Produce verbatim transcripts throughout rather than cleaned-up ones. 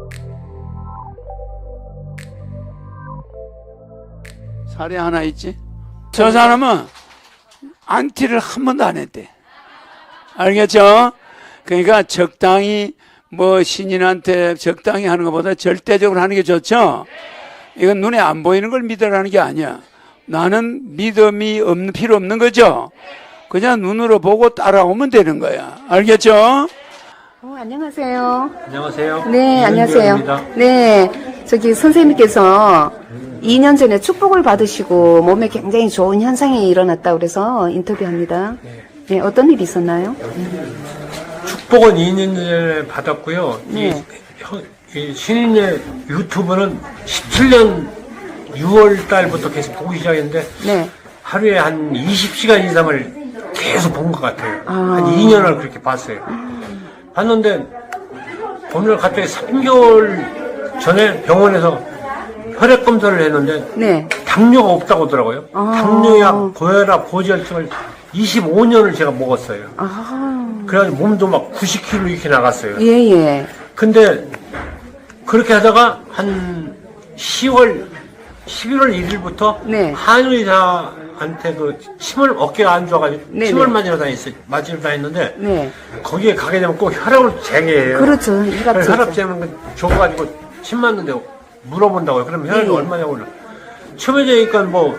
사례 하나 있지? 저 사람은 안티를 한 번도 안 했대. 알겠죠? 그러니까 적당히 뭐 신인한테 적당히 하는 것보다 절대적으로 하는 게 좋죠? 이건 눈에 안 보이는 걸 믿으라는 게 아니야. 나는 믿음이 없는, 필요 없는 거죠? 그냥 눈으로 보고 따라오면 되는 거야. 알겠죠? 어, 안녕하세요. 안녕하세요. 네, 안녕하세요. 이은규입니다. 네, 저기 선생님께서 이 년 전에 축복을 받으시고 몸에 굉장히 좋은 현상이 일어났다고 그래서 인터뷰합니다. 네, 어떤 일이 있었나요? 축복은 이 년 전에 받았고요. 네. 이, 형- 이 신인의 유튜브는 십칠 년 유월 달부터 계속 보기 시작했는데 네. 하루에 한 이십 시간 이상을 계속 본 것 같아요. 아. 한 이 년을 그렇게 봤어요. 봤는데 오늘 갑자기 삼 개월 전에 병원에서 혈액 검사를 했는데 네. 당뇨가 없다고 하더라고요. 아. 당뇨약, 고혈압, 고지혈증을 이십오 년을 제가 먹었어요. 아, 그래가지고 몸도 막 구십 킬로그램 이렇게 나갔어요. 예, 예. 근데 그렇게 하다가 한 시월, 십일월 일 일부터 네. 한의사한테 그 침을 어깨가 안 좋아가지고 네, 침을 네. 맞으러 다녔어요. 맞으러 다녔는데 네. 거기에 가게 되면 꼭 혈압을 재게해요. 그렇죠. 혈압 그래서 혈압 재죠. 재는 거 줘가지고 침 맞는데 물어본다고요. 그러면 혈압이 예, 예. 얼마냐고 그러 처음에 재니까 뭐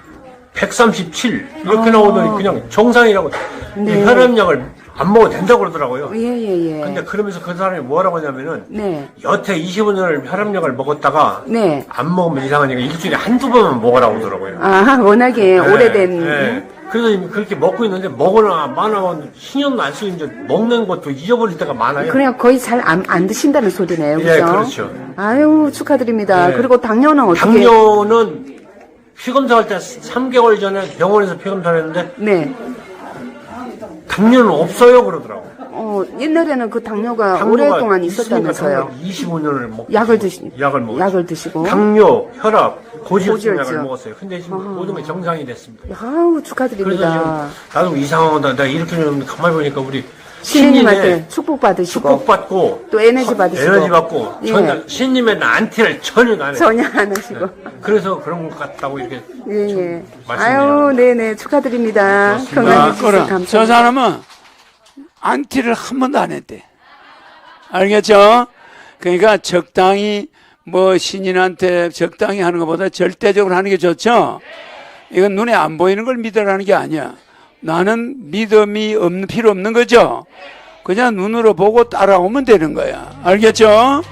백삼십칠 이렇게 아. 나오더니 그냥 정상이라고 네. 이 혈압약을 안 먹어도 된다고 그러더라고요. 예, 예, 예. 근데 그러면서 그 사람이 뭐라고 하냐면은 네. 여태 이십오 년을 혈압약을 먹었다가 네. 안 먹으면 이상하니까 일주일에 한두 번만 먹으라고 하더라고요. 아, 워낙에 네, 오래된. 네. 그래서 이미 그렇게 먹고 있는데 먹으나 마나 신경도 안 쓰고 이제 먹는 것도 잊어버릴 때가 많아요. 그냥 거의 잘 안 안 드신다는 소리네요. 그죠? 예, 그렇죠. 아유, 축하드립니다. 네. 그리고 당뇨는 어떻게? 당뇨는 피검사할 때 삼 개월 전에 병원에서 피검사를 했는데 네. 당뇨는 없어요 그러더라고요. 어, 옛날에는 그 당뇨가, 당뇨가 오랫동안 있으니까 있었다면서요. 당뇨를 이십오 년을 먹 약을 드시, 약을 먹었죠. 약을 드시고. 당뇨, 혈압, 고지혈증 고지혈증. 약을 먹었어요. 근데 지금 모든 게 정상이 됐습니다. 아우, 그래서 축하드립니다. 지금 나도 이상하다. 내가 이렇게 좀 가만히 보니까 우리 신님한테 신님의 축복 받으시고. 축복 받고 또 에너지 받으시고. 에너지 받고 예. 전혀 신님의 안티를 전혀 안 해요. 전혀 안 하시고. 그래서 그런 것 같다고 이렇게 예, 예. 말씀드려요. 아유, 네네. 축하드립니다. 고맙습니다. 건강해 아, 주셔서 그럼 감사합니다. 저 사람은 안티를 한 번도 안 했대. 알겠죠? 그러니까 적당히 뭐 신인한테 적당히 하는 것보다 절대적으로 하는 게 좋죠? 이건 눈에 안 보이는 걸 믿으라는 게 아니야. 나는 믿음이 없는, 필요 없는 거죠? 그냥 눈으로 보고 따라오면 되는 거야. 알겠죠?